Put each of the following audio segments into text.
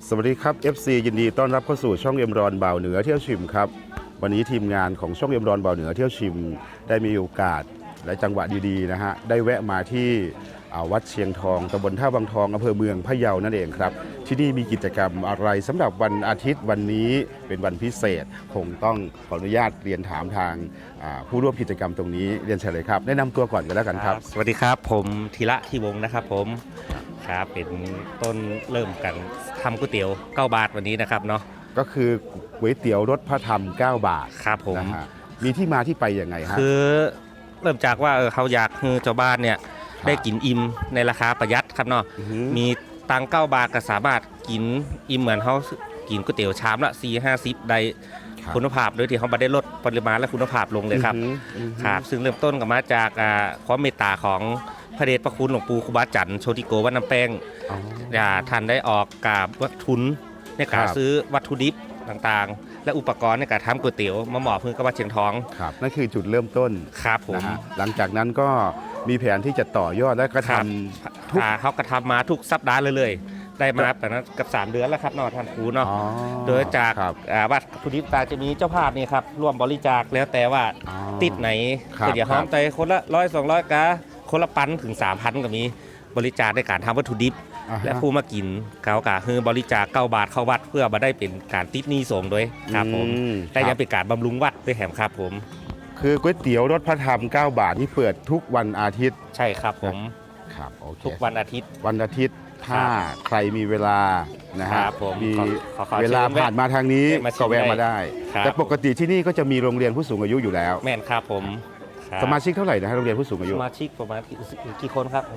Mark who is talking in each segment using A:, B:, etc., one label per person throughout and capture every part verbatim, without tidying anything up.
A: สวัสดีครับ เอฟ ซี ยินดีต้อนรับเข้าสู่ช่องเอ็มรอนบ่าวเหนือเที่ยวชิมครับวันนี้ทีมงานของช่องเอ็มรอนบ่าวเหนือเที่ยวชิมได้มีโอกาสและจังหวะดีๆนะฮะได้แวะมาที่วัดเชียงทองตำบลท่าวังทองอำเภอเมืองพะเยานั่นเองครับที่นี่มีกิจกรรมอะไรสำหรับวันอาทิตย์วันนี้เป็นวันพิเศษคงต้องขออนุญาตเรียนถามทางผู้ร่วมกิจกรรมตรงนี้เรียนเชิญเลยครับแนะนำตัวก่อนกันแล้วกันครับ
B: สวัสดีครับผมธีระที่วงนะครับผมครับเป็นต้นเริ่มกันทำก๋วยเตี๋ยวเก้าบาทวันนี้นะครับเนาะ
A: ก็คือก๋วยเตี๋ยวรสพระธรรมเก้าบาท
B: ครับผม
A: นะฮะมีที่มาที่ไปยังไงฮะ
B: คือเริ่มจากว่าเขาอยากให้เจ้าบ้านเนี่ยได้กินอิ่มในราคาประหยัดครับเนาะมีตังเก้าบาทก็สามารถกินอิ่มเหมือนเขากินก๋วยเตี๋ยวชามละสี่ห้าสิบได้คุณภาพโดยที่เขาไม่ได้ลดปริมาณและคุณภาพลงเลยครับครับซึ่งเริ่มต้นกับมาจากความเมตตาของพระเดชพระคุณหลวงปู่ครูบาจันทร์โชติโกวัดน้ำแป้งท่านได้ออกกาบวัตถุนในการซื้อวัตถุดิบต่างๆและอุปกรณ์ในการทำก๋วยเตี๋ยวมาหมอบเพื่อกับวัดเชียงทอง
A: ครับนั่นคือจุดเริ่มต้น
B: ครับผม
A: หลังจากนั้นก็มีแผนที่จะต่อยอดและกระทำ
B: ทุกเขากระทำมาทุกสัปดาห์เลยๆได้มาแต่นั้นกับสามเดือนแล้วครับนอท่านครูเนาะโดยจากวัตถุดิบต่างจะมีเจ้าภาพนี่ครับร่วมบริจาคแล้วแต่ว่าติดไหนก็อย่าห้อมใจคนละร้อยสองร้อยกะคนละปันถึง สามพัน ก็มีบริจาคในการทำวัตถุดิบและผู้มากินเขากะคือบริจาคเก้าบาทเข้าวัดเพื่อมาได้เป็นการติดหนี้สงฆ์ด้วยครับผมแต่ยังเป็นการบำรุงวัดด้วยแถมครับผม
A: คือก๋วยเตี๋ยวรสพระธรรมเก้าบาทที่เปิดทุกวันอาทิตย์
B: ใช่ครับผม
A: ครับโอเค
B: ทุกวันอาทิตย์
A: วันอาทิตย์ถ้าใครมีเวลานะฮะมีเวลาผ่านมาทางนี้ก็แวะมาได้แต่ปกติที่นี่ก็จะมีโรงเรียนผู้สูงอายุอยู่แล้ว
B: แม่นครับผม
A: สมาชิกเท่าไหร่นะฮะโรงเรียนผู้สูงอายุ
B: สมาชิกประมาณกี่คนครับ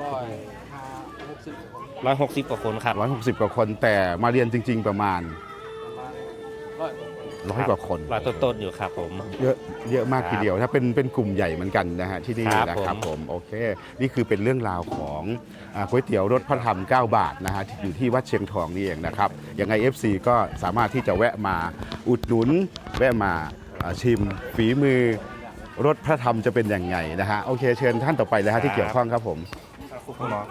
B: ร้อยหกสิบกว่าคนครับ
A: ร้อยหกสิบกว่าคนแต่มาเรียนจริงๆประมาณร้อยกว่าคน
B: ร้อยต้นๆอยู่ครับผม
A: เยอะเยอะมากทีเดียวถ้าเป็นเป็นกลุ่มใหญ่เหมือนกันนะฮะที่นี่นะครับผมโอเคนี่คือเป็นเรื่องราวของก๋วยเตี๋ยวรสพระธรรมเก้าบาทนะฮะอยู่ที่วัดเชียงทองนี่เองนะครับยังไง เอฟ ซี ก็สามารถที่จะแวะมาอุดหนุนแวะมาชิมฝีมือรสพระธรรมจะเป็นยังไงนะฮะโอเคเชิญท่านต่อไปเลยฮะที่เกี่ยวข้องครับผม
B: คุณหมอ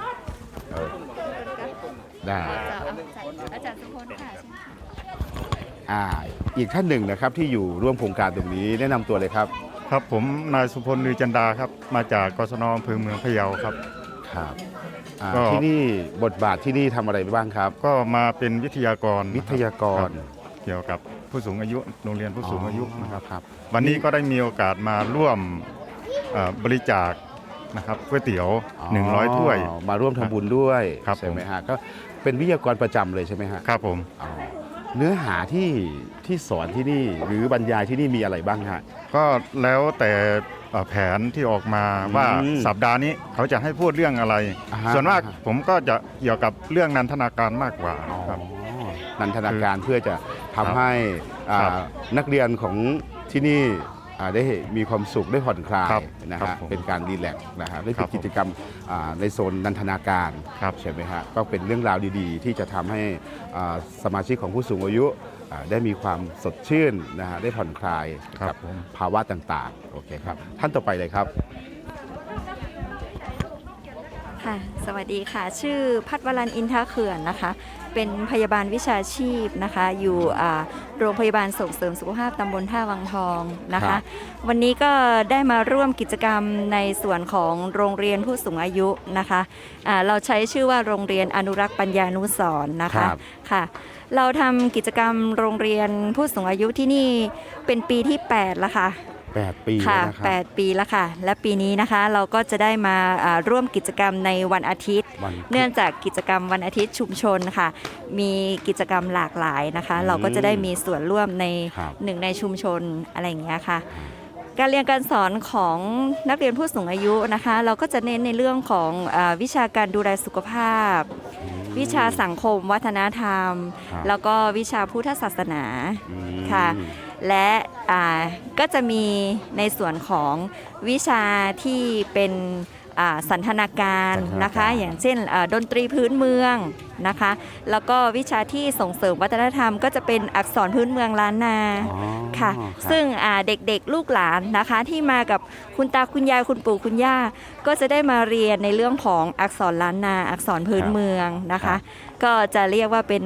A: ได้อาจารย์สุพจน์ค่ะอ่าอีกท่านหนึ่งนะครับที่อยู่ร่วมโครงการตรงนี้แนะนำตัวเลยครับ
C: ครับผมนายสุพลลือจันดาครับมาจากกศน.อำเภอเมืองพะเยาครับ
A: ครับที่นี่บทบาทที่นี่ทำอะไรบ้างครับ
C: ก็มาเป็นวิทยากร
A: วิทยากร
C: เกี่ยวกับผู้สูงอายุโรงเรียนผู้สูงอายุนะครับวันนี้ก็ได้มีโอกาสมาร่วมบริจาคนะครับก๋วยเตี๋ยวหนึ่งร้อยถ้วย
A: มาร่วมทำบุญด้วยใช่ไหมฮะก็เป็นวิทยากรประจำเลยใช่ไหมฮะ
C: ครับผม
A: เนื้อหาที่ที่สอนที่นี่หรือบรรยายที่นี่มีอะไรบ้างฮะ
C: ก็แล้วแต่แผนที่ออกมาว่าสัปดาห์นี้เขาจะให้พูดเรื่องอะไรส่วนมากผมก็จะเกี่ยวกับเรื่องนันทนาการมากกว่าครับ
A: นันทนาการเพื่อจะทำให้นักเรียนของที่นี่ได้มีความสุขได้ผ่อนคลายนะฮะเป็นการรีแลกซ์นะฮะได้เป็นกิจกรรมในโซนนันทนาการใช่ไหมฮะก็เป็นเรื่องราวดีๆที่จะทำให้สมาชิกของผู้สูงอายุได้มีความสดชื่นนะฮะได้ผ่อนคลายกับภาวะต่างๆโอเคครับท่านต่อไปเลยครับ
D: ค่ะสวัสดีค่ะชื่อพัฒวรัญอินทเขื่อนนะคะเป็นพยาบาลวิชาชีพนะคะอยู่โรงพยาบาลส่งเสริมสุขภาพตำบลท่าวังทองนะคะวันนี้ก็ได้มาร่วมกิจกรรมในส่วนของโรงเรียนผู้สูงอายุนะคะะเราใช้ชื่อว่าโรงเรียนอนุรักษ์ปัญญานุสรณ์นะคะค่ะเราทำกิจกรรมโรงเรียนผู้สูงอายุที่นี่เป็นปีที่แปดแล้วค่ะ
A: แปดปี
D: ค่ะแปดปีแล้วค่ะและปีนี้นะคะเราก็จะได้มาร่วมกิจกรรมในวันอาทิตย์เนื่องจากกิจกรรมวันอาทิตย์ชุมชนค่ะมีกิจกรรมหลากหลายนะคะเราก็จะได้มีส่วนร่วมในหนึ่งในชุมชนอะไรอย่างเงี้ยค่ะการเรียนการสอนของนักเรียนผู้สูงอายุนะคะเราก็จะเน้นในเรื่องของวิชาการดูแลสุขภาพวิชาสังคมวัฒนธรรมแล้วก็วิชาพุทธศาสนาค่ะและก็จะมีในส่วนของวิชาที่เป็นสันทนาการนะคะอย่างเช่นดนตรีพื้นเมืองนะคะแล้วก็วิชาที่ส่งเสริมวัฒนธรรมก็จะเป็นอักษรพื้นเมืองล้านนาค่ะซึ่งเด็กๆลูกหลานนะคะที่มากับคุณตาคุณยายคุณปู่คุณย่าก็จะได้มาเรียนในเรื่องของอักษรล้านนาอักษรพื้นเมืองนะคะก็จะเรียกว่าเป็น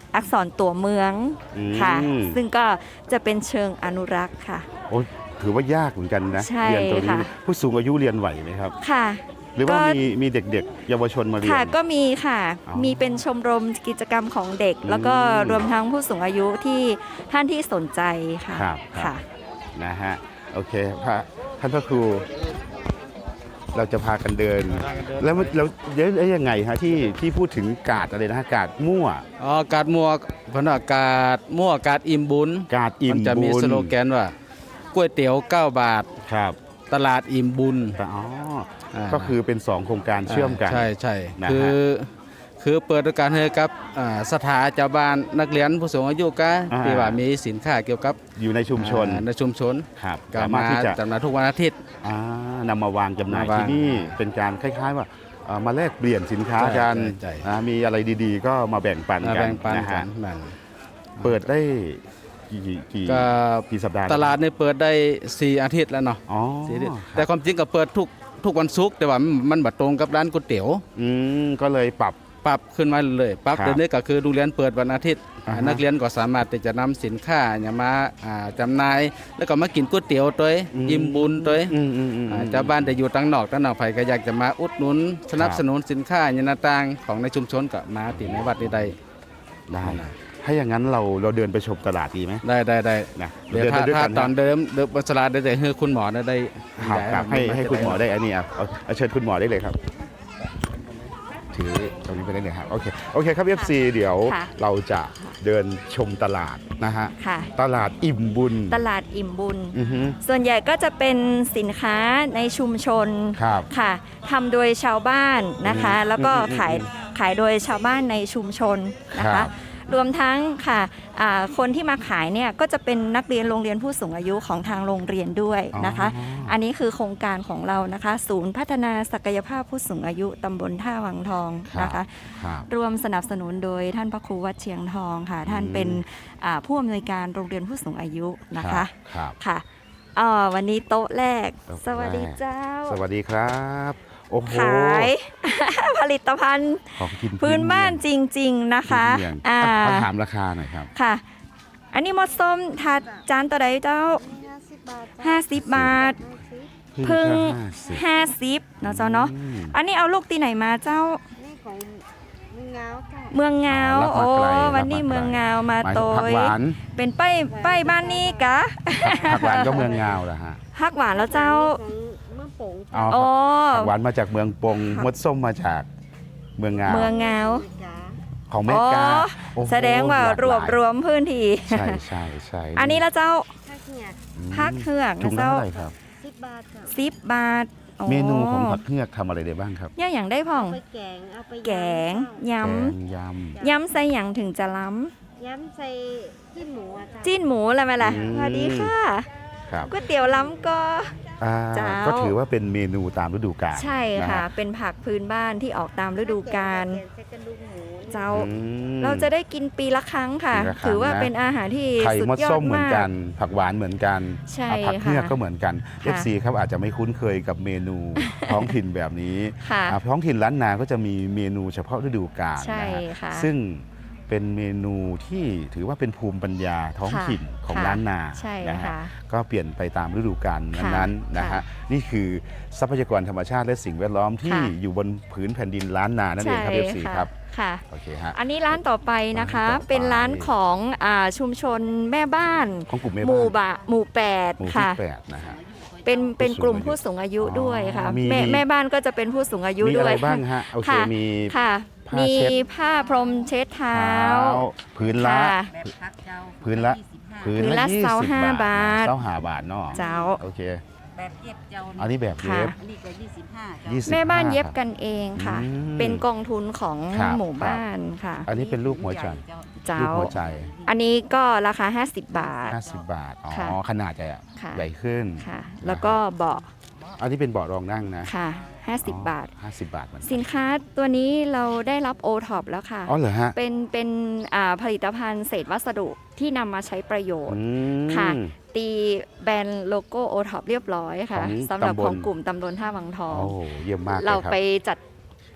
D: อักษรตัวเมือง
A: อืม
D: ค่ะ ซึ่งก็จะเป็นเชิงอนุรักษ์ค่ะ
A: โอ้ถือว่ายากเหมือนกันนะ
D: ใช่
A: เรียนตัวนี้
D: ค่ะ
A: ผู้สูงอายุเรียนไหวไหมครับ
D: ค่ะ
A: หรือว่า
D: ก็
A: มีมีเด็กๆ เยาวชนมาเรียน
D: ค่ะก็มีค่ะ
A: อ๋อ
D: มีเป็นชมรมกิจกรรมของเด็ก
A: อืม
D: แล้วก็รวมทั้งผู้สูงอายุที่ท่านที่สนใจค่ะ
A: ครับครับ
D: ค่ะ
A: นะฮะโอเคพระท่านพระครู เราจะพากันเดิน แล้วมันแล้วเดี๋ยวยังไงฮะที่ที่พูดถึงกาดอะไรนะฮะกาดมั่ว
E: อ๋อกาดมัวเพนว่ากาดมั่วกาดอิ่มบุญ
A: กาดอิ่ม
E: นจะมี
A: บุญ
E: สโลแกนว่าก๋วยเตี๋ยวเก้าบาท
A: ครับ
E: ตลาดอิ่มบุญ
A: แต่อ๋อ
E: อ่า
A: ก็คือเป็นสองโครงการเชื่อมกัน
E: ใช่ใช่
A: นะฮะ
E: คือคือเปิดโอกาสให้กับอ่าสถาเจ้าบ้านนักเรียนผู้สูงอายุก็
A: อ่า
E: ที่ว่ามีสินค้าเกี่ยวกับ
A: อยู่ในชุมชน
E: อ่าในชุมชน
A: ครับ
E: ก็
A: สามาร
E: มา
A: ถที่จะ
E: จำหน่ายทุกวันอาทิตย์
A: อ่านำมาวางจำหน่าย
E: มาวาง
A: ที่นี่เป็นการคล้าย ๆ ว่าเอ่อมาแลกเปลี่ยนสินค้า
E: ใช่
A: กัน
E: ใช่ใช่
A: อ่ามีอะไรดีๆ ก็มาแบ่งปัน
E: มา
A: กัน
E: แบ่งปัน
A: นะ
E: กั
A: ฮะ
E: นนั่น
A: เปิดได้กี่กี่กี่
E: ก็
A: กี่สัปดาห์
E: ตลาดเนี่ยเปิดได้สี่อาทิตย์แล้วเนาะ
A: อ๋อ
E: สี่อาทิตย์
A: ครับ
E: แต่ความจริงก็เปิดทุกทุกวันศุกร์แต่ว่ามันบัดตรงกับร้านก๋วยเตี๋ยว
A: อืมก็เลยปรับ
E: ปรับขึ้นมาเลยปรับ
A: ครับ
E: เดี๋ยวนี้ก็คือโรงเรียนเปิดวันอาทิตย์
A: อ่าฮะ
E: นักเรียนก็สามารถที่จะนำสินค้าอย่างมาอ่าจำหน่าย แล้วก็มากินก๋วยเตี๋ยวตัวเอง
A: อืม
E: อิ่มบุญตัวเอง
A: อืมอืมอืม
E: อ่าเจ้าบ้านแต่อยู่ตั้งนอกตั้งนอกไผก็อยากจะมาอุดหนุน สนับสนุนสินค้าอย่างต่างๆของในชุมชนก็มาติในวัดนี้ได้
A: ได้ถ้าอย่างนั้นเราเราเดินไปชมตลาดดีไหม
E: ได้ได้ได้
A: นะ
E: เดี๋ยว
A: ดิน
E: ถ้า
A: ไปด้วย
E: ถ้า
A: กัน
E: ตอนเดิมเดิมบนสลาดได้แต่ให้คุณหมอได้ได้
A: ครับครับให้ให้คุณหมอได้อันนี้อ่ะเอาเอาเชิญคุณหมอได้เลยครับถือตรงนี้ไปได้เลยครับโอเคโอเคครับ เอฟ ซี เดี๋ยว
D: ค่ะ
A: เราจะเดินชมตลาดนะฮะ
D: ค่ะ
A: ตลาดอิ่มบุญ
D: ตลาดอิ่มบุญ
A: อือฮึ
D: ส่วนใหญ่ก็จะเป็นสินค้าในชุมชน
A: ครับ
D: ค่ะทำโดยชาวบ้านนะคะ
A: อืม
D: แล้วก็
A: อืมอืม
D: ขายขายโดยชาวบ้านในชุมชนนะ
A: ครั
D: คะ
A: บ
D: รวมทั้งค่ะอ่าคนที่มาขายเนี่ยก็จะเป็นนักเรียนโรงเรียนผู้สูงอายุของทางโรงเรียนด้วยนะคะ
A: อ๋อ
D: อันนี้คือโครงการของเรานะคะ ศูนย์พัฒนาศักยภาพผู้สูงอายุตำบลท่าวังทองนะคะ
A: ครับ
D: รวมสนับสนุนโดยท่านพระครูวัดเชียงทองค่ะ ท่าน
A: อืม
D: เป็นอ่าผู้อำนวยการโรงเรียนผู้สูงอายุนะคะ
A: ครับ
D: ค่ะอ่าวันนี้โต๊ะแรก
A: โต๊ะแรก
D: สวัสดีเจ้า
A: สวัสดีครับโอ้โห
D: ขาย ผลิตภัณฑ์
A: ของกิน
D: พื้นบ้านจริง ๆ นะคะ
A: พื้นเมือง
D: อ่า
A: ขอถามราคาหน่อยครับ
D: ค่ะ อันนี้หมดส้มถาดจานตัวใดเจ้า ห้าสิบบาท พึ่ง
A: ห้าสิบ
D: ห้าสิบเนาะเจ้าเนาะ
A: อืม
D: อันนี้เอาลูกตีไหนมาเจ้า
F: นี่ของมึงเงาค่ะ
D: เมืองเงา
A: อ๋อรับมา
D: โอ้
A: ไกล
D: วันนี้
A: รับมาไกล
D: เมืองเงามา
A: หมาย
D: โต
A: ถึงผัก
D: ย
A: หวาน
D: เป็นป้ายป้ายบ้านนี้กะ
A: ผักหวานก็เมืองงาวเหรอฮะ
D: ฮักหวานแล้วเจ้า
F: ของเมื่อโป่ง
A: อ๋อ
D: โอ้
A: ผักหวานมาจากเมืองปงมดส้มมาจากเมืองงาว
D: เมืองเงา
F: จ๋า
A: ของแม่กา
D: อ๋อ
A: โอ้โห
D: แสดงว่า
A: หลก
D: รวบ
A: หลาย
D: รวมพื้นที่
A: ใช่ใช่ใช่
D: อันนี้แล้วเจ้า
F: ถ้าเนี่ย
A: อืม
D: พักเหือก
A: ถุ
D: นะ
A: งละ
D: เจ้า
A: เท่าไหร่ครับ
F: สิบบาทค่ะ
D: สิบบาทโ
A: เมนูของผักเฮือกทำอะไรได้บ้างครับ
D: ย่าอย่างได้พ่อง
F: เอาไปแกง เอาไป
D: แกง
F: ย
D: ย
A: แกงย
D: ำ ยำใส่อย่างถึงจะล้
F: ำย้ำใส่จิ้มหมูอะค่ะ
D: ำจิ้นหมูอะไรไหมล่ะสวัสดีค่ะ
A: ำครับ
D: ก๋วยเตี๋ยวล้ำก็
A: อ่า
D: เจ้า
A: ก็ถือว่าเป็นเมนูตามฤดูกาล
D: ใช่
A: นฮ
D: ค่ะ เป็นผักพื้นบ้านที่ออกตามฤดูกาล
F: แกงใส่กระดูกหมู
D: เจ้า
A: อืม
D: เราจะได้กินปีละครั้งค่ะ
A: ปีละครั้ง
D: ถือว่า
A: นะ
D: เป็นอาหารที่
A: ไข่
D: สุด
A: มด
D: ยอ
A: ส้
D: ด
A: มเหมือน
D: มาก
A: กัน ผักหวานเหมือนกัน
D: ใช่
A: อ่าผักเฮือก
D: ค่ะ
A: ก็เหมือนกัน
D: ค่ะ
A: เอฟ ซี ครับอาจจะไม่คุ้นเคยกับเมนู ท้องถิ่นแบบนี้
D: ค่ะ
A: อ่าท้องถิ่นล้านนาก็จะมีเมนูเฉพาะฤดูกาล
D: ใช่
A: นะฮะ
D: ค่ะ
A: ซึ่งเป็นเมนูที่ถือว่าเป็นภูมิปัญญาท้อง
D: ค่ะ
A: ถิ่นของ
D: ค่ะ
A: ล้านนา
D: ใช่
A: นะฮะ
D: ค่ะ
A: ก็เปลี่ยนไปตามฤดูกาล
D: ค่ะ
A: นั้นๆนะ
D: ค่ะ
A: ฮะนี่คือทรัพยากรธรรมชาติและสิ่งแวดล้อมที่
D: ค่ะ
A: อยู่บนผืนแผ่นดินล้านนานั่นเองครับ
D: ใช่
A: เอฟ ซี
D: ค่ะ
A: ครับ
D: ค่ะ
A: โอเคฮะ
D: อันนี้ร้านต่อไปนะคะ
A: ร้านต่อไป
D: เป็นร้านของอ่าชุมชนแม่บ้าน
A: ของกลุ่มแม่
D: หมู่
A: บ้าน
D: บะหมู่แปด
A: หมู่ที่
D: ค่ะ
A: แปดนะฮะ
D: เป็นเป็นกลุ่ม
A: ผู้
D: ผู้
A: สู
D: สู
A: ง
D: ง
A: อา
D: อา
A: ยุ
D: ยุด้วยค่ะ
A: อ๋อมี
D: แม่แม่บ้านก็จะเป็นผู้สูงอายุ
A: มี
D: ด้
A: อะ
D: ว
A: ไร
D: ย
A: บ้างฮะโอเค
D: ค่ะ
A: มี
D: ค่ะ
A: ผ้า
D: มี
A: เช็ด
D: ผ้าพรมเช็ดเท้า
A: พื้นละ
D: ค่ะ
A: พื้นละพื้น
D: พื้น
A: ละ
D: ละ
A: ยี่
D: เสา
A: สิบ
D: ห้า
A: บาท
D: บาท
A: เสาห้าบาทเนาะ
D: เจ้า
A: โอเค
G: แบบเย็บเจ้า
A: อันนี้แบบเย็บ
G: อันนี้ก็ยี่สิบห้าเจ้า
A: ยี่สิบ
D: แม่บ้าน
A: ห้
D: เย็บ
A: ครับ
D: กันเองค่ะ
A: อืม
D: เป็นกองทุนของ
A: ครับ
D: หมู่บ้านค่ะ
A: อันนี้เป็นรูปหัวใจ
D: เจ้า
A: รูปหัวใจ
D: อันนี้ก็ราคา ห้าสิบบาท
A: ห้าสิบบาทอ๋อ
D: ค่ะ
A: ขนาดจะ
D: ค่ะ
A: ใหญ่ขึ้น
D: ค่ะ แล้วก็เบาะ
A: อันนี้เป็นเบาะรองนั่งนะ
D: ค่ะ ห้าสิบบาท
A: ห้าสิบบาทเหมือนกัน
D: สินค้าตัวนี้เราได้รับ โอ ท็อป แล้วค่ะ
A: อ๋อเหรอฮะ
D: เป็นเป็นอ่าผลิตภัณฑ์เศษวัสดุที่นำมาใช้ประโยชน์
A: อืม
D: ค่ะ ตีแบรนด์โลโก้ โอ ท็อป เรียบร้อยค่ะ
A: ของ
D: สำหรับ
A: ตำบล
D: ของกลุ่มตำบลท่าวังทอง
A: โอ้โหเยี่ยมมากเลย
D: เรา
A: ครับ
D: ไปจัด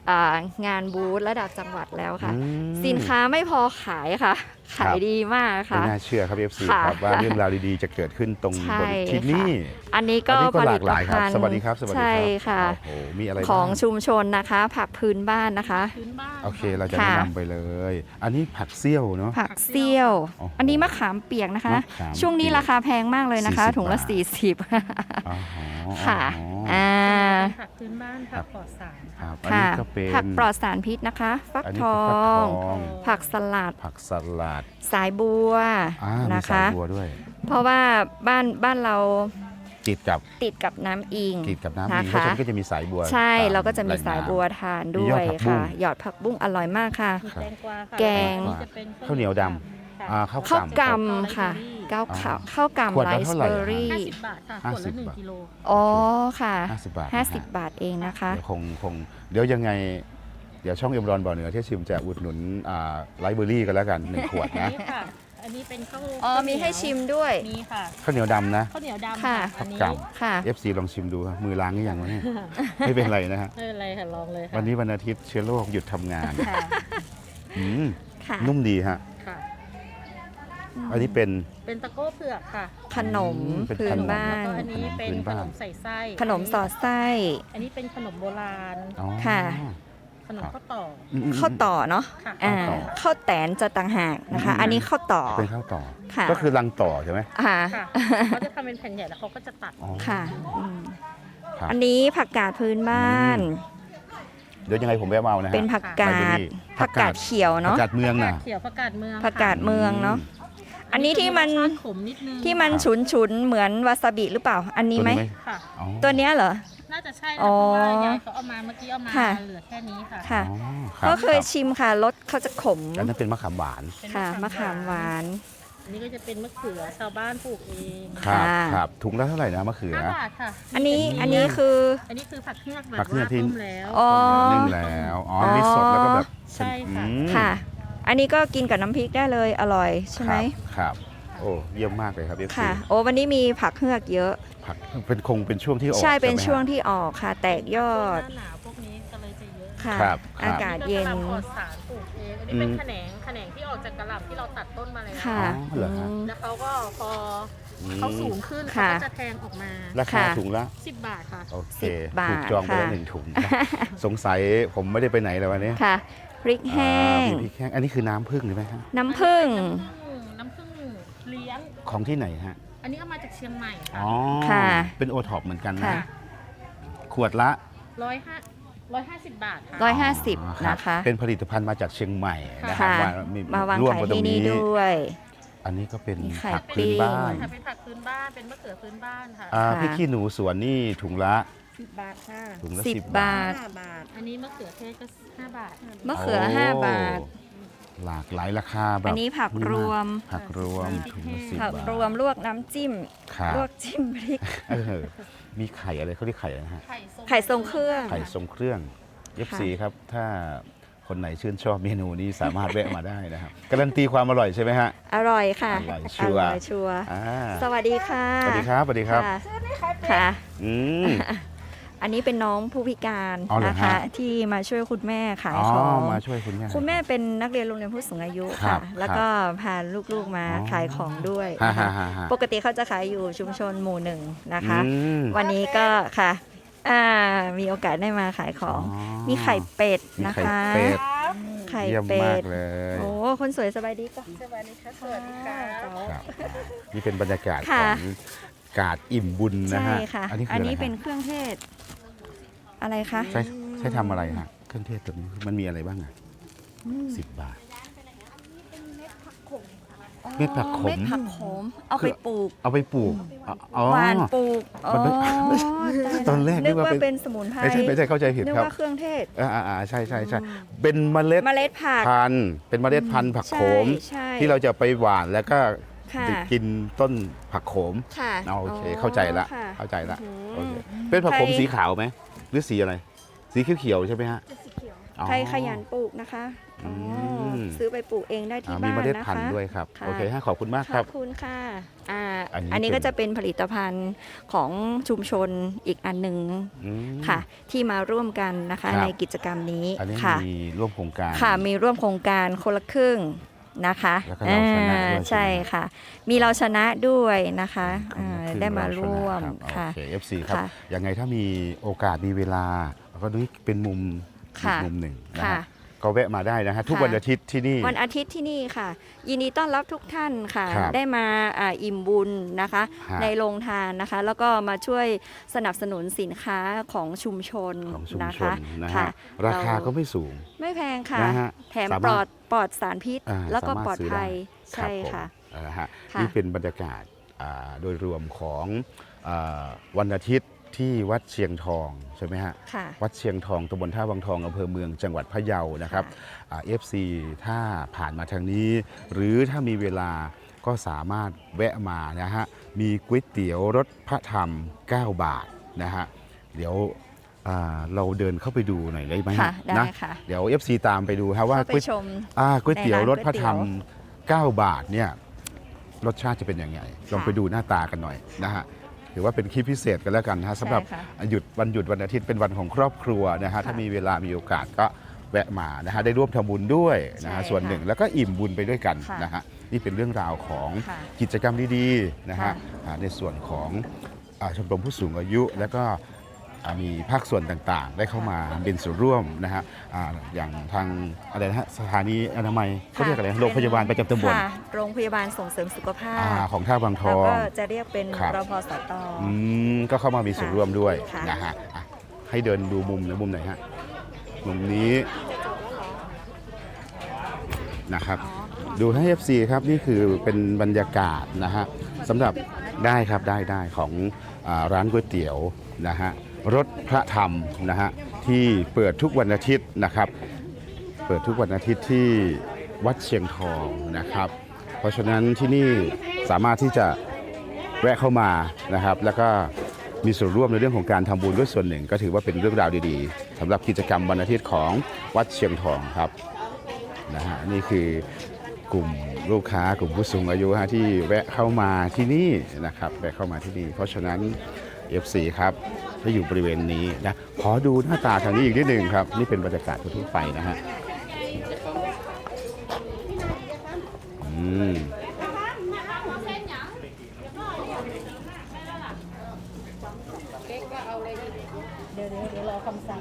D: อ่างานบูธระดับจังหวัดแล้วค่ะ
A: อืม
D: สินค้าไม่พอขายค่ะ ขายดีมาก
A: ไม่
D: ค่ะ
A: น่าเชื่อครับ เอฟ ซี
D: ค่ะ
A: ครับว่าเรื่องราวดีๆจะเกิดขึ้นตรง
D: ใช่
A: บนที่นี่
D: อันนี้ก็
A: อันนี้ก็
D: ผ
A: ห
D: ลิ
A: ลาก
D: ต
A: หลายครับ
D: ภัณฑ์
A: สวัสดีครับสวัสดีครับ
D: ใช่ค่ะ
A: โอ้โหมีอะไร
D: ของ
A: บ้าง
D: ชุมชนนะคะ ผักพื้นบ้านนะคะ
F: พื้นบ้าน
A: โอเคเราจะ
D: ค่ะ
A: แนะนำไปเลย อันนี้ผักเซี่ยวเนาะ
D: ผักเซี่ยว
A: โอ้โห
D: อันนี้มะขามเปียกนะคะ
A: มะขาม
D: ช่วงนี้
A: เปียก
D: ราคาแพงมากเลยนะคะ
A: สี่สิบ
D: ถุงละ
A: บาท
D: สี่สิบ
A: อ๋อ
D: ค่ะ
A: อ๋อ
D: อ่า
F: ผักพื้นบ้านผักปลอดสาร
A: ครับอัน
D: ค่ะ
A: นี้ก็เป็น
D: ผักปลอดสารพิษนะคะ ฟัก
A: อันนี้
D: ท
A: ก็
D: อ
A: ฟักท
D: ง
A: อง
D: ผักสลัด
A: ผักสลัด
D: สายบัว
A: อ่ามี
D: นะ
A: สา
D: คะ
A: ยบัวด้วย
D: เพราะว่าบ้านบ้านเรา
A: ติดกับ
D: ติดกับน้ำอิง
A: ติดกับน้ำ
D: นะ
A: อิงเพราะ
D: คะ
A: ฉะนั้นก็จะมีสายบัว
D: ใช่
A: ตม
D: เราก็จะมี
A: แหล่ง
D: สาย
A: น้ำ
D: บัวทาน
A: มี
D: ด้วย
A: ยอดผักบุ้
D: ค่ะ
A: ง
D: หยอดผักบุ้งอร่อยมากค่ะ
F: มีแตงกวาค่ะ
D: แกง
F: ล้วจะเป็น
A: ข้าวเหนียวดำ
F: ค่ะ
A: อ่าข้าว
D: ข้าว
A: ก
D: กำค่ะข้าวขาวข้าว
A: ขวด
D: กำไร
A: ละเท่า
D: ซ์
A: ไหร่
D: เบอ
A: อะ
D: ร์รี่
F: ห้าสิบบาทค่ะขวดละหนึ่ง
A: ห้าสิบบาท
F: กิโล
D: อ๋อค่ะ
A: ห้าสิบบาท
D: ห้า
A: นะ
D: สิบ
A: ฮะ
D: บาทเองนะคะ
A: เดี๋ยวคงคงเดี๋ยวยังไง เดี๋ยวช่องเอ็มรอนบ่อเหนือที่ชิมจะอุดหนุนอ่าไลฟ์เบอร์รี่กันแล้วกันหนึ่งขวดนะ
F: นี่ค่ะ อันนี้เป็นข้าว
D: อ๋อ
F: ข้าวเนียว
D: มีให้ชิมด้วย
F: มีค่ะ
A: ข้าวเหนียวดำนะ
F: ข้าวเหนียวดำ
D: ค่ะ
F: อันนี้
A: ข้าว
D: ค่ะ
A: เอฟซีลองชิมดูครับมือล้างหรือยังวะเนี่ย ไม่เป็นไรนะฮะ
F: ไม่เป็นไรค่ะลองเลยค่ะ
A: วันนี้วันอาทิตย์เชื้อโรคหยุดทำงาน
F: ค่ะ
A: อืม
D: ค่ะ
A: นุ่มดีฮะ
F: ค่ะ
A: อันนี้เป็น
F: เป็นตะโก้เผือกค่ะ
D: ขนม
A: อืมเป็น
D: พื้
A: ข
D: น
A: นม
D: บ้า
F: แล้ว
D: น
F: ก็อันนี้เป็น
A: พื้น
F: ข
A: บ้าน
F: นมใส่ไส้
D: ขนมสอดไส้
F: อันนี้เป็นขนมโบราณ
A: อ๋อ
D: ค่ะ
F: ขนมข้าวต่อ
A: อืมอืม
D: ข้าวต่อเนาะ
F: ค่ะ
D: อ่า
A: ข้าวต่อ
D: ข้าวแตนจะต่างหากนะคะ
A: อืม
D: อันนี้ข้าวต่อ
A: เป็นข้าวต่อ
D: ค่ะ
A: ก็คือรังต่อใช่ไหม
D: ค่ะ
F: ค่ะเขาจะทำเป็นแผ่นใหญ่แล้วเขาก็จะตัด
A: อ๋อ
D: ค่ะอืม
A: ครับ
D: อันนี้ผักกาดพื้นบ้าน
A: เดี๋ยวยังไงผมแวะมาเอานะฮะ
D: เป็นผักกา
A: ไลฟ์เบอร์
D: ด
A: รี่
D: ผักกาดเขียว
A: ผัก
D: เนาะ
A: กาดเมืองน่ะ
F: เขียวผักกาดเมือง
D: ผักกาดเมืองเนาะ อันนี้ที่มัน
F: รสชาติขมนิดนึง
D: ที่มันฉุนฉุนๆเหมือนวาซาบิหรือเปล่า อันนี้ไหม
F: ค่ะ
A: อ๋อ
D: ตัวเนี้ยเหรอ
F: น่าจะใช่นะ
D: อ๋อ
F: เพราะว่ายายเขาเอามาเมื่อกี้เอามา
D: ค่ะ
F: เหลือแค่นี้ค่ะ
D: ค่ะ
A: อ๋อรับ
D: ก็เคย
A: รับ
D: ชิมค่ะรสเขาจะขม
A: อันนั้นเป็นมะขามหวาน
F: เป็น
D: ค่ะมะขามหวาน
F: อันนี้ก็จะเป็นมะเขือชาวบ้านปลูกเอง
A: ครับ
D: ค่ะ
A: ครับถุงละเท่าไหร่นะมะเขือ
F: ห้าบาทค่ะ
D: อันนี้
F: เป็
D: อันนี้คือ
F: อันนี้คือผักเฮือกแบบ
A: ผักเฮือก
F: ว่า
A: ที่
F: ต้มแล้ว
D: อ๋อ
A: นึ่งแล้วอ๋อมีสดแล้วก็แบบ
F: ใช่ค่ะ
A: อืม
D: ค่ะ อันนี้ก็กินกับน้ำพริกได้เลยอร่อยใช่ไหม
A: ครับ โอ้เยี่ยมมากเลยครับเอฟซี
D: ค่ะ โอ้วันนี้มีผักเฮือกเยอะ
A: ผักเป็นคงเป็นช่วงที่ออก
D: ใช่เป็น
A: ไหมฮะ
D: ช่วงที่ออกค่ะ แตกยอด
F: หน้าหนาวพวกนี้ก็เลยจะเยอะ
D: ค่ะ
A: ครับครับ
D: อากาศเย็น
F: อัก็กะหล่ำปลอดสารปลูกเองอันนี้เป็นแขนงแขนงที่ออกจากกระหล่ำที่เราตัดต้นมาแล้ว
D: ค่ะ
A: อ๋อเหรอฮะ
D: อืม
F: แล้วเขาก็พอ
A: อืม
F: เขาสูงขึ้นเขา
D: ค่ะ
F: ก็จะแทงออกมา
A: ราคา
D: ค่ะ
A: ถุงละ
F: สิบบาทค่ะ
A: โอเค
D: สิบบาท
A: ถูกจองไปแล้ว
D: ค่ะ
A: หนึ่งถุง สงสัยผมไม่ได้ไปไหนเลยวันนี้
D: ค่ะพริกแห้ง
A: อ่ามีพริกแห้งอันนี้คือน้ำผึ้งใช่ไหมฮะ
D: น้ำผึ้ง
F: น้ำผึ้งเลี้ยง
A: ของที่ไหนฮะ
F: อันนี้เอามาจากเชียงใหม่ค่ะ
A: อ๋อ
D: ค่ะ
A: เป็นโอท็อปเหมือนกันนะ
D: ค่ะ
A: ขวดละ
F: ร้อยห้าร้อยห้าสิบบาทค่ะ
D: ร้อยห้าสิบ
A: อ๋อรับ
D: นะคะ
A: เป็นผลิตภัณฑ์มาจากเชียงใหม่นะครับ
D: ค่ะ
A: ม
D: มาวาง
A: ร่วม
D: ขาย
A: กันตร
D: ที่
A: ง
D: นี่
A: นี้
D: ด้วย
A: อันนี้ก็เป็น
D: มีไข่
A: ผักพื้นบ้าน
D: ปิ้ง
F: ค่ะเป็นผักพื้นบ้านเป็นมะเขือพื้นบ้านค่ะ
A: อ่า
D: ค่ะ
A: พริกขี้หนูสวนนี่ถุงละ
F: สิบบาทค่ะ
A: ถุงละ
D: สิบ
A: สิบบาท
D: บาท
F: ห้าบาท อันนี้มะเขือเทศก็ห้าบาท
D: มะเขือ
A: โ
D: ห้าบาท
A: หลากหลายราคาแบบ
D: อันนี้ผักรวม
A: ผักรวมถุงละสิบ
D: ผัก
A: บาท
D: รวมลวกน้ำจิ้ม
A: ครับ
D: ลวกจิ้มพริก
A: เออมีไข่อะไรเขาเรียกไข่อะไรนะฮะ
F: ไข่ทรง
D: ไข่ทรงเครื่อง
A: ไข่ทรงเครื่อง เอฟ ซี ครับ ถ้าคนไหนชื่นชอบเมนูนี้สามารถแวะมาได้นะครับการันตีความอร่อยใช่ไหมฮะ
D: อร่อยค่ะ
A: อร่อยชัวร์
D: ร่อยชัวร์
A: อ่า
D: สวัสดีค่ะ
A: สวัสดีครับสวัสดีครับ
D: ค่ะค่ะ
A: อืม
D: อันนี้เป็นน้องผู้พิการ
A: อ๋อเหรอ
D: นะคะ
A: ฮะ
D: ที่มาช่วยคุณแม่ขาย
A: อ๋อ
D: ของ
A: มาช่วยคุณแม่
D: คุณแม่เป็นนักเรียนโรงเรียนผู้สูงอายุ
A: ครั
D: ค่ะ
A: บ
D: แล้วก็พาลูกๆมา
A: อ๋อ
D: ขายของด้วย
A: ฮ่า
D: นะคะ
A: ฮ่าฮ่าฮ่า
D: ปกติเขาจะขายอยู่ชุมชนหมู่หนึ่งนะคะ
A: อืม
D: วันนี้ก็ค่ะอ่ามีโอกาสได้มาขายของ
A: อ๋อ
D: มีไข่เป็ด
A: มี
D: นะ
A: ไข่
D: คะ
A: เป็ด
D: ไข่
A: เยี่ยม
D: เป็
A: มาก
D: ด
A: เลย
D: โอ้คนสวยสบายดีก็
F: สวัสดีค่ะสวัสดีค่ะ
A: ครับนี่เป็นบรรยากาศข
D: ค่ะ
A: องกาดอิ่มบุญนะ
D: ใช่
A: ฮะ
D: ค่ะ
A: อันนี้คือ
D: อัน
A: อะไร
D: นี้
A: ฮะ
D: เป็นเครื่องเทศ อะไรคะ
A: ใช้ใช้ทำอะไรฮะเครื่องเทศตัวนี้มันมีอะไรบ้างอ่ะสิบบาท เม็ดผักขม
D: เม็ดผักขม เอาไปปลูก
A: เอาไปปลูกอ๋อ
D: หวานปลูกอ๋อ
A: มันไม่
D: ตาย
A: ตอนแรกนึ
D: นึ
A: ก
D: ก
A: ว่า
D: ว่า
A: เป็น
D: เป็นสมุนไพร
A: ไม่ใช่ไม่ใช่เข้าใจผิด
D: นึก
A: ครับ
D: ว่าเครื่องเทศ
A: อ่าอ่าใช่ใช่ใช่เป็นเมล็ด
D: เมล็ดผัก
A: พันธุ์เป็นเมล็ดพันธุ์ผักโขม
D: ใช่
A: ที่เราจะไปหว่านแล้วก็
D: ค่ะ
A: กินต้นผักโขม
D: ค่ะ
A: เอาโอเคเข้าใจละ
D: ค่ะ
A: เข้าใจละ
D: อืม
A: โอเคเป็นผักโขม
D: ใคร
A: สีขาวไหมหรือสีอะไร สีเขียวๆใช่ไหมฮะอ๋อ
D: ใครขยันปลูกนะคะอ๋อ
A: ม
D: ซื้อไปปลูกเองได้ที่
A: อ่ามี
D: บ้าน
A: เมล็ด
D: นะคะ
A: พันธุ์ด้วยครับ
D: ค่ะ
A: โอเคฮะขอบคุณมาก
D: ข
A: ครั
D: อบ บคุณค่ะอ่า
A: อันนี้
D: อันนี้
A: เป็น
D: ก็จะเป็นผลิตภัณฑ์ของชุมชนอีกอันหนึ่ง
A: อืม
D: ค่ะ ที่มาร่วมกันนะคะ
A: ครับ
D: ในกิจกรรมนี้
A: อันนี้
D: ค่ะ
A: มีร่วมโครงการ
D: ค่ะมีร่วมโครงการคนละครึ่งนะคะ
A: แล้วก็เราชนะด้วย
D: อ่า
A: ใช่
D: ใช่
A: ไหม
D: ค่ะ มีเราชนะด้วยนะคะอ่า
A: คือ
D: ได้มา
A: เชนะ
D: ร่วม
A: ครับ
D: ค่ะ
A: โอเค เอฟ ซี ครับ
D: ค่ะ
A: ยังไงถ้ามีโอกาสมีเวลาก็นี่เป็นมุมอี
D: ค่ะ
A: กมุมหนึ่งนะ
D: ค่ะ
A: ฮะก็แวะมาได้นะฮะทุก
D: ค่ะ
A: วันอาทิตย์ที่นี่
D: วันอาทิตย์ที่นี่ค่ะ ยินดีต้อนรับทุกท่านค่ะ
A: ครับ
D: ได้มาอ่าอิ่มบุญนะคะ
A: ฮะ
D: ในโรงทานนะคะ แล้วก็มาช่วยสนับสนุนสินค้าของชุมชน
A: ของชุม
D: นะ
A: ช
D: คะ
A: นนะ
D: ค่ะ
A: ฮะราคา
D: เร
A: ก็ไม่สูง
D: ไม่แพงค่ะ
A: นะฮะ
D: แถม
A: สา
D: ป
A: มารถ
D: ลอดปลอดสารพิษ
A: อ่า
D: แล้วก็
A: สามารถ
D: ปลอด
A: ซื้อ
D: ภัย
A: ได้
D: ใช่
A: รับผม
D: ค่ะ
A: เออฮะ
D: ค่ะ
A: นี่เป็นบรรยากาศอ่าโดยรวมของอาวันอาทิตย์ที่วัดเชียงทองใช่ไหมฮะ
D: ค่ะ
A: วัดเชียงทองตำบลท่าวังทองอำเภอเมืองจังหวัดพะเยานะครับเอฟซีถ้าผ่านมาทางนี้ หรือถ้ามีเวลาก็สามารถแวะมานะฮะมีก๋วยเตี๋ยวรสพระธรรม เก้า บาทนะฮะเดี๋ยวอ่าเราเดินเข้าไปดูหน่อยได้ไหมฮะ
D: ค่ะได้
A: นะ
D: ค่ะ
A: เดี๋ยว เอฟ ซี ตามไปดูครับว่า
D: เข้าไป
A: ก๋วย
D: ชม
A: อ่าก๋วยเตี๋ยว
D: ในร้าน
A: รสพระธรรม
D: ก๋วยเตี๋
A: เก้า บาทเนี่ยรสชาติจะเป็นยังไงลองไปดูหน้าตากันหน่อยนะฮะถือว่าเป็นคลิปพิเศษกันแล้วกันนะฮะสำหรับ
D: ใช่ค่ะ
A: หยุดวันหยุดวันอาทิตย์เป็นวันของครอบครัวนะฮะถ้ามีเวลามีโอกาสก็แวะมานะฮะได้ร่วมทำบุญด้วยนะฮะ
D: ใช่
A: ส่วนหนึ่งแล้วก็อิ่มบุญไปด้วยกัน
D: ค่ะ
A: นะฮะนี่เป็นเรื่องราวของ
D: ค่ะ
A: กิจกรรมดีๆนะฮะ
D: ค่ะ
A: อ่าในส่วนของอ่าชมรมผู้สูงอายุ แล้วก็อ่ามีภาคส่วนต่างๆ ได้เข้ามาเป็นส่วนร่วมนะฮะอ่าอย่างทางอะไรนะฮะสถานีอนามัยเขาเรียกอะไรนะโรงพยาบาลประจำตำบล
D: ค่ะโรงพยาบาลส่งเสริมสุขภา
A: อ่า
D: พ
A: ของท่าบางท
D: แล้ว
A: อง
D: ก็จะเรียกเป็น
A: ครับ
D: รพสต
A: อืมก็เข้ามามีส่วนร่วมด้วย
D: ค่ะ
A: นะฮะอ่ะให้เดินดูมุมนะมุมไหนฮะมุมนี้นะครับ ดูให้ เอฟ ซี ครับนี่คือเป็นบรรยากาศนะฮะสำหรับได้ครับได้ได้ของอาร้านก๋วยเตี๋ยวนะฮะรสพระธรรมนะฮะที่เปิดทุกวันอาทิตย์นะครับ เปิดทุกวันอาทิตย์ที่วัดเชียงทองนะครับ เพราะฉะนั้นที่นี่สามารถที่จะแวะเข้ามานะครับ แล้วก็มีส่วนร่วมในเรื่องของการทำบุญด้วยส่วนหนึ่ง ก็ถือว่าเป็นเรื่องราวดีๆสำหรับกิจกรรมวันอาทิตย์ของวัดเชียงทองครับนะฮะนี่คือกลุ่มลูกค้ากลุ่มผู้สูงอายุฮะที่แวะเข้ามาที่นี่นะครับแวะเข้ามาที่นี่ เพราะฉะนั้น เอฟ ซี ครับที่อยู่บริเวณนี้นะขอดูหน้าตาทางนี้อีกนิดหนึ่งครับนี่เป็นบรรยากาศทั่วๆไปนะฮะอืม
D: เดี๋ยวเดี๋ยวรอคำสั่ง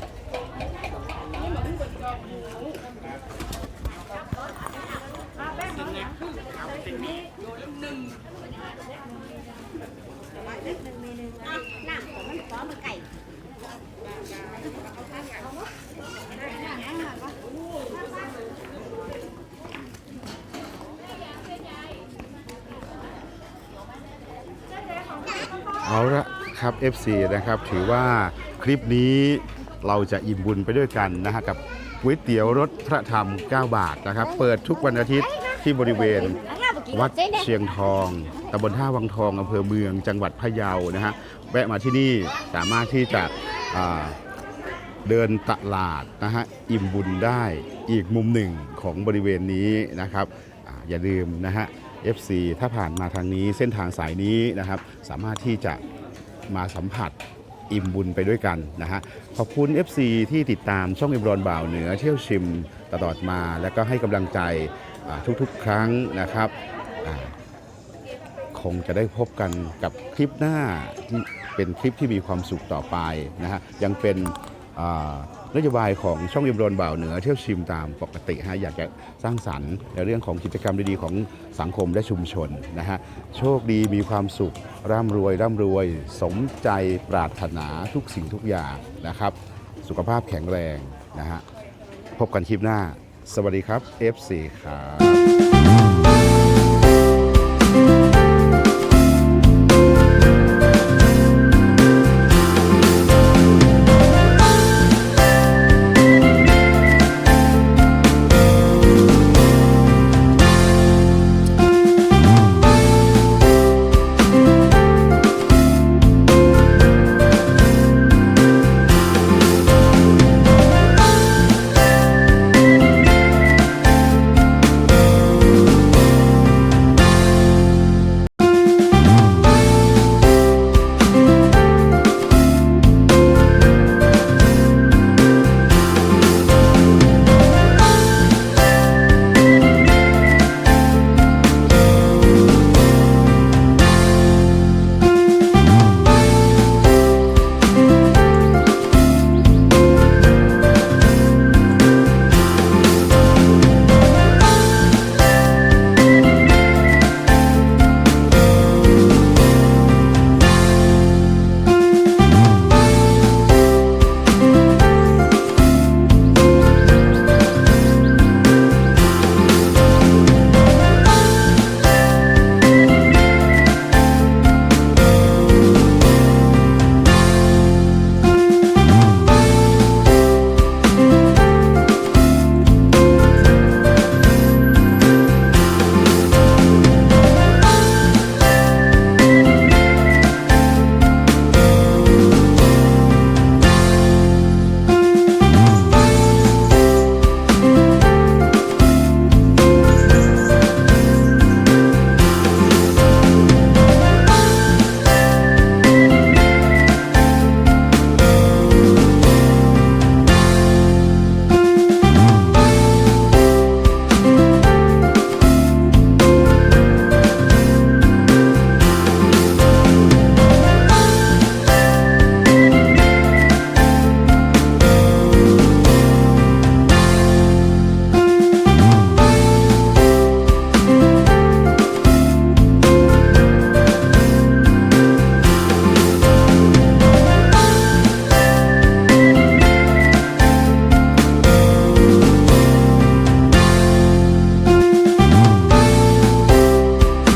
A: เอาละครับ เอฟ ซี นะครับถือว่าคลิปนี้เราจะอิ่มบุญไปด้วยกันนะฮะกับก๋วยเตี๋ยวรสพระธรรม เก้า บาทนะครับเปิดทุกวันอาทิตย์ที่บริเวณวัดเชียงทองตำบลท่าวังทองอำเภอเมืองจังหวัดพะเยานะฮะแวะมาที่นี่สามารถที่จะอ่าเดินตลาดนะฮะอิ่มบุญได้อีกมุมหนึ่งของบริเวณนี้นะครับอาอย่าลืมนะฮะ เอฟ ซี ถ้าผ่านมาทางนี้เส้นทางสายนี้นะครับสามารถที่จะมาสัมผัสอิ่มบุญไปด้วยกันนะฮะขอบคุณ เอฟ ซี ที่ติดตามช่องเอ็มรอนบ่าวเหนือเที่ยวชิมตลอดมาแล้วก็ให้กำลังใจอ่าทุกๆครั้งนะครับอ่าคงจะได้พบกันกับคลิปหน้าที่เป็นคลิปที่มีความสุขต่อไปนะฮะยังเป็นอ่านโยบายของช่องเอ็มรอนบ่าวเหนือเที่ยวชิมตามปกติฮะอยากจะสร้างสรรค์ในเรื่องของกิจกรรมดีๆของสังคมและชุมชนนะฮะโชคดีมีความสุขร่ำรวยร่ำรวยสมใจปรารถนาทุกสิ่งทุกอย่างนะครับสุขภาพแข็งแรงนะฮะพบกันคลิปหน้าสวัสดีครับ เอฟ ซี ครับ